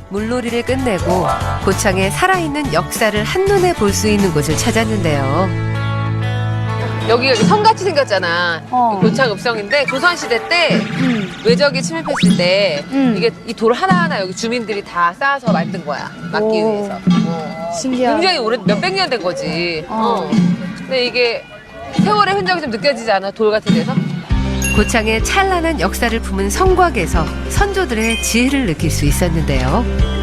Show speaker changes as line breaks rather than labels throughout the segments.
물놀이를 끝내고 고창의 살아있는 역사를 한눈에 볼 수 있는 곳을 찾았는데요.
여기가 성같이 생겼잖아. 고창 읍성인데 조선시대 때 외적이 침입했을 때 이게 이 돌 하나하나 여기 주민들이 다 쌓아서 만든 거야. 막기 위해서.
신기하다.
굉장히 오래 몇백 년 된 거지. 근데 이게 세월의 흔적이 좀 느껴지지 않아? 돌 같은 데서?
고창의 찬란한 역사를 품은 성곽에서 선조들의 지혜를 느낄 수 있었는데요.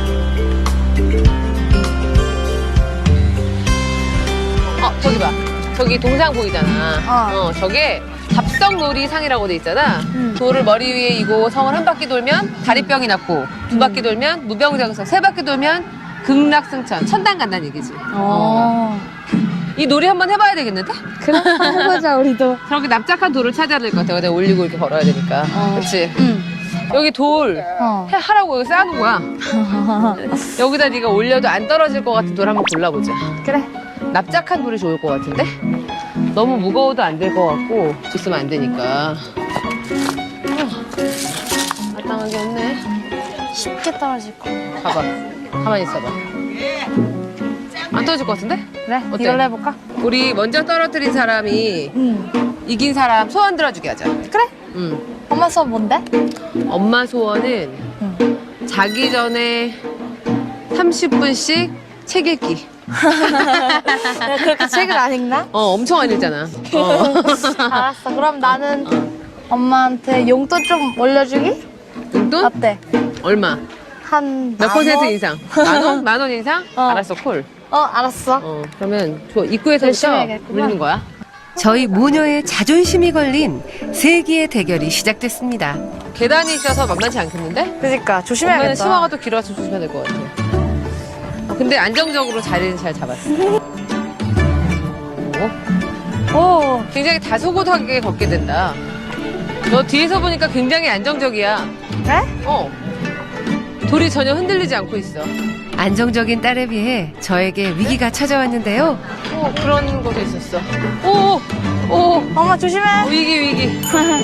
저기 봐. 저기 동상 보이잖아. 저게 답성놀이상이라고 돼 있잖아. 돌을 머리 위에 이고 성을 한 바퀴 돌면 다리병이 낫고 두 바퀴 돌면 무병장수, 세 바퀴 돌면 극락승천, 천당 간다는 얘기지. 이 놀이 한번 해봐야 되겠는데?
그래, 해보자, 우리도.
저렇게 납작한 돌을 찾아야 될 것 같아. 내가 올리고 이렇게 걸어야 되니까. 그렇지? 여기 돌 하라고 여기 쌓아놓은 거야. 여기다 네가 올려도 안 떨어질 것 같은 돌 한번 골라보자.
그래.
납작한 돌이 좋을 것 같은데? 너무 무거워도 안 될 것 같고 있으면 안 되니까. 마땅한 게 없네.
쉽게 떨어질 거.
봐봐. 가만히 있어봐. 안 떨어질 것 같은데?
그래,
어때?
이걸로 해볼까?
우리 먼저 떨어뜨린 사람이 이긴 사람 소원 들어주게 하자.
그래? 엄마 수업 뭔데?
엄마 소원은 자기 전에 30분씩 책 읽기.
내가 그렇게 책을 안 읽나?
엄청 안 읽잖아.
알았어. 그럼 나는 엄마한테 용돈 좀 올려주기?
용돈?
어때?
얼마?
한
몇
만
퍼센트
원?
인상? 만 원? 만 원 인상? 알았어, 콜.
알았어.
그러면
열심히
입구에서부터
해야겠구나.
울리는 거야.
저희 모녀의 자존심이 걸린 세기의 대결이 시작됐습니다.
계단이 있어서 만만치 않겠는데?
그러니까
엄마는
조심해야겠다.
치마가 또 길어서 조심해야 될 것 같아. 근데 안정적으로 자리는 잘 잡았어.
오,
굉장히 다소곳하게 걷게 된다. 너 뒤에서 보니까 굉장히 안정적이야.
그래?
돌이 전혀 흔들리지 않고 있어.
안정적인 딸에 비해 저에게 위기가 찾아왔는데요.
그런 것도 있었어.
엄마 조심해.
위기.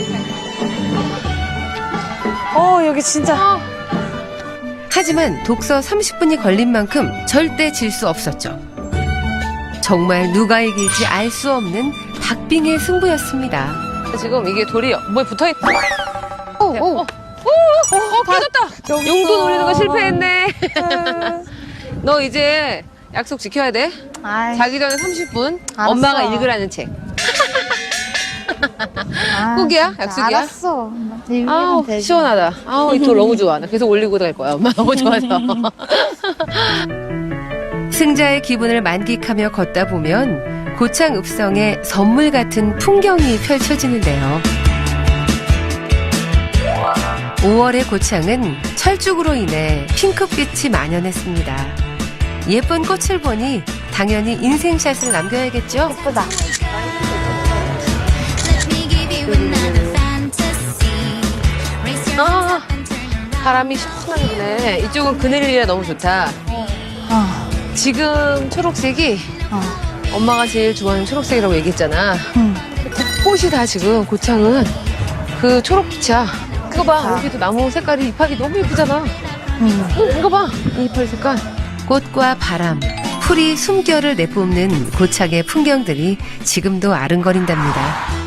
여기 진짜.
하지만 독서 30분이 걸린 만큼 절대 질 수 없었죠. 정말 누가 이길지 알 수 없는 박빙의 승부였습니다.
지금 이게 돌이 뭐에 붙어있다. 깨졌다. 용돈 올리는 거 실패했네. 너 이제 약속 지켜야 돼.
아이,
자기 전에 30분
알았어.
엄마가 읽으라는 책. 꼭이야? 약속이야?
알았어. 나한테
아우
읽으면 되지.
시원하다. 아우 이 돌 너무 좋아. 나 계속 올리고 갈 거야. 엄마 너무 좋아서.
승자의 기분을 만끽하며 걷다 보면 고창 읍성의 선물 같은 풍경이 펼쳐지는데요. 5월의 고창은 철쭉으로 인해 핑크빛이 만연했습니다. 예쁜 꽃을 보니 당연히 인생샷을 남겨야겠죠?
예쁘다.
바람이 시원하게 부네. 이쪽은 그늘이라 너무 좋다. 지금 초록색이 엄마가 제일 좋아하는 초록색이라고 얘기했잖아. 꽃이 다 지금 고창은 그 초록빛이야. 그거 봐. 여기도 나무 색깔이 잎하기 너무 예쁘잖아. 이거 봐. 이 잎할 색깔.
꽃과 바람, 풀이 숨결을 내뿜는 고창의 풍경들이 지금도 아른거린답니다.